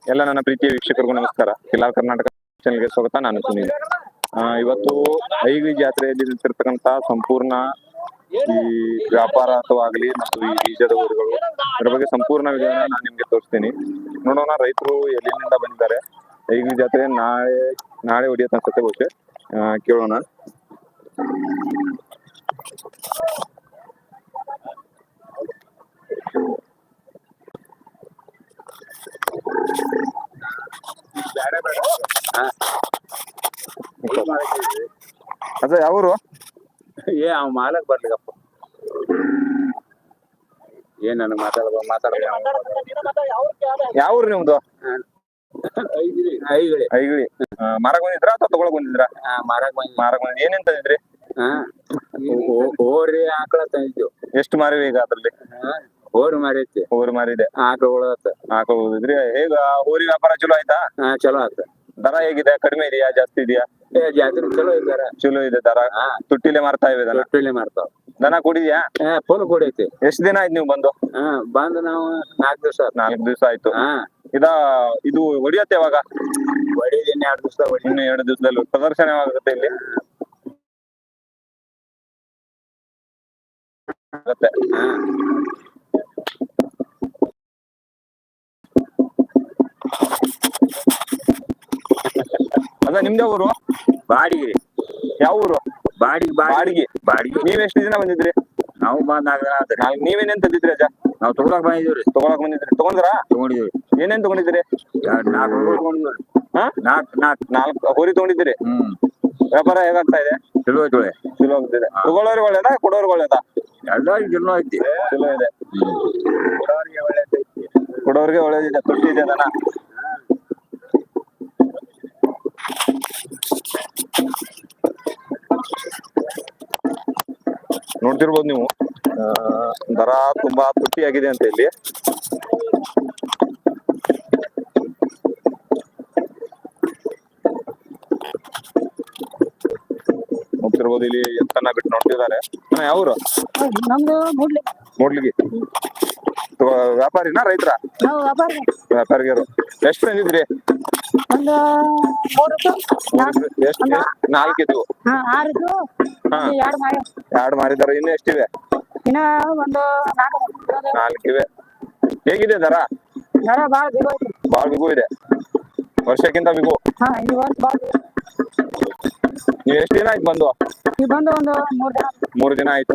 ಎಲ್ಲ ನನ್ನ ಪ್ರೀತಿಯ ವೀಕ್ಷಕರಿಗೂ ನಮಸ್ಕಾರ. ಕಿಲಾ ಕರ್ನಾಟಕ ಚಾನೆಲ್ಗೆ ಸ್ವಾಗತ. ನಾನು ಸುನೀಲ್. ಇವತ್ತು ಐಗಿ ಜಾತ್ರೆಯಲ್ಲಿ ನಿಂತಿರ್ತಕ್ಕಂತ ಸಂಪೂರ್ಣ ಈ ವ್ಯಾಪಾರ ಅಥವಾ ಆಗಲಿ ಮತ್ತು ಈ ಬೀಜದ ಊರುಗಳು ಅದರ ಬಗ್ಗೆ ಸಂಪೂರ್ಣ ವಿಧಾನ ನಾನು ನಿಮ್ಗೆ ತೋರಿಸ್ತೀನಿ. ನೋಡೋಣ ರೈತರು ಎಲ್ಲಿಂದ ಬಂದಿದ್ದಾರೆ. ಐಗಿ ಜಾತ್ರೆ ನಾಳೆ ಹೊಡಿಯತ್ ಅನ್ಸುತ್ತೆ ಬಹುಶಃ. ಕೇಳೋಣ. ಅದ ಯಾವೂರು? ಅವ್ ಮಾಲಕ್ ಬರ್ಲಿಗಪ್ಪ. ಏನ್ ನನಗ್ ಮಾತಾಡ ಯಾವೂರು ನಿಮ್ದು? ಐಗಳಿ. ಐಗಿಳಿ. ಮಾರಕ್ ಬಂದಿದ್ರಾ ಅಥವಾ ತಗೊಳಕ್ ಬಂದಿದ್ರಾ? ಮಾರಕ್ ಬಂದ್ ಏನೇನ್ ತಂದಿದ್ರಿ? ಹೋರಿ ಆಕಳ ತಂದಿದ್ವು. ಎಷ್ಟು ಮಾರಿವಿ ಈಗ ಅದ್ರಲ್ಲಿ? ಹೋರಿ ಮಾರೈತಿ. ಹೋರಿ ಮಾರಿದೆ. ಆಕಳ ಆಕಳ ಹೋಗಿದ್ರಿ. ಹೇಗ ಹೋರಿ ವ್ಯಾಪಾರ ಚಲೋ ಆಯ್ತಾ? ಚಲೋ ಆತ. ದರ ಹೇಗಿದೆ? ಕಡಿಮೆ ಇದೆಯಾ ಜಾಸ್ತಿ ಇದೆಯಾ? ಜಾತ್ರೆ ಚಲೋ ಇದ್ದಾರ. ಚಲೋ ಇದೆ ದರ. ತುಟ್ಟಿಲೆ ಮಾರ್ತಾ ಇವೆ ದನ? ತುಟ್ಟಿಲೆ ಮಾರ್ತಾವ. ದನ ಕುಡಿದ್ಯಾ? ಫುಲ್ ಕುಡಿಯೈತಿ. ಎಷ್ಟ್ ದಿನ ಆಯ್ತು ನೀವು ಬಂದು? ಬಂದು ನಾವು 4 ದಿವಸ. 4 ದಿವಸ ಆಯ್ತು. ಇದು ಹೊಡಿಯತ್ತೆ ಯಾವಾಗ? ಹೊಡಿದ್ 2 ದಿವಸ. ಇನ್ನು 2 ದಿವಸದಲ್ಲಿ ಪ್ರದರ್ಶನ ಯಾವಾಗುತ್ತೆ ಇಲ್ಲಿ? ಅದ ನಿಮ್ದೇ ಊರು? ಬಾಡಿಗೆ. ಯಾವ ಊರು? ಬಾಡಿಗೆ. ನೀವ್ ಎಷ್ಟು ದಿನ ಬಂದಿದ್ರಿ? ನಾವು ಬಂದ್ 4 ದಿನ ಆತ್ರಿ. ನೀವೇನೇನ್ ತಂದಿದ್ರಿ ಅಜ್ಜ? ನಾವ್ ತಗೊಳಕ್ ಬಂದಿದ್ರಿ. ತಗೊಂಡ್ರಾ? ತಗೊಂಡಿದ್ವಿ. ಏನೇನ್ ತಗೊಂಡಿದ್ರಿ? 4 ಹೋರಿ ತಗೊಂಡಿದ್ವಿ. 4 ಹೋರಿ ತಗೊಂಡಿದ್ದೀರಿ. ವ್ಯಾಪಾರ ಹೇಗಾಗ್ತಾ ಇದೆ? ಚಲೋ ಐತಿ. ಚಲೋ ಆಗ್ತಿದೆ. ತಗೊಳ್ಳೋರಿಗೆ ಒಳ್ಳೇದಾ ಕೊಡೋರಿಗೆ ಒಳ್ಳೇದಾ? ಎಲ್ಲರಿಗೂ ಚಲೋ ಐತಿ. ಚಲೋ ಇದೆ. ಕೊಡೋರಿಗೆ ಒಳ್ಳೇದಿದೆ. ತುಟ್ಟಿ ಇದೆ ದನ. ನೋಡ್ತಿರ್ಬೋದು ನೀವು. ದರ ತುಂಬಾ ತುಟ್ಟಿ ಆಗಿದೆ ಅಂತ ಇಲ್ಲಿ. ನೋಡ್ತಿರ್ಬೋದು ಇಲ್ಲಿ ಎತ್ತನ್ನ ಬಿಟ್ಟು ನೋಡ್ತಿದ್ದಾರೆ. ಯಾವ್ರು? ನಮ್ದು ಮೂಡ್ಲಿಗಿ. ವ್ಯಾಪಾರಿನಾ ರೈತರ? ವ್ಯಾಪಾರಿಗರು. ಎಷ್ಟು ತಂದಿದ್ರಿ? ಒಂದು 3 ಎಷ್ಟು? 4 ಇದ್ವು. 6 ಇದ್ವು. 2 ಮಾರಿದಾರೆ. ಇನ್ನು ಎಷ್ಟಿವೆ? ಇನ್ನ ಒಂದು 4 ಇವೆ. ಹೇಗಿದೆ ದರ? ಬಾಳ ಬಿಗು ಇದೆ. ವರ್ಷಕ್ಕಿಂತ ಬಿಗು. ನೀವ್ ಎಷ್ಟು ದಿನ ಆಯ್ತು ಬಂದು? ಬಂದು ಒಂದು 3 ದಿನ ಆಯ್ತು.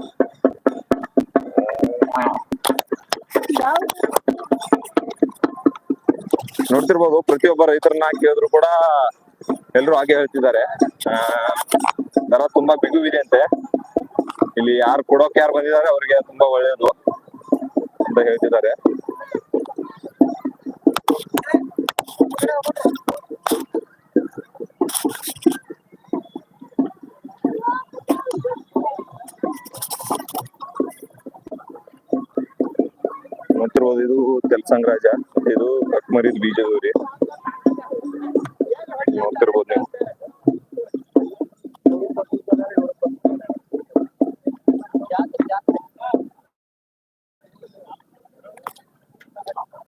ನೋಡ್ತಿರ್ಬೋದು ಪ್ರತಿಯೊಬ್ಬ ರೈತರನ್ನ ಕೇಳಿದ್ರು ಕೂಡ ಎಲ್ರು ಹಾಗೆ ಹೇಳ್ತಿದ್ದಾರೆ. ದರ ತುಂಬಾ ಬಿಗುವಿದೆ ಅಂತೆ. ಇಲ್ಲಿ ಯಾರು ಕೊಡೋಕೆ ಯಾರು ಬಂದಿದ್ದಾರೆ ಅವ್ರಿಗೆ ತುಂಬಾ ಒಳ್ಳೇದು ಅಂತ ಹೇಳ್ತಿದ್ದಾರೆ. ನೋಡ್ತಿರ್ಬೋದು ಇದು ತೆಲಸಂಗ್ ರಾಜ. ಇದು ಕಕ್ಮರಿದ್ ಬೀಜದೂರಿ.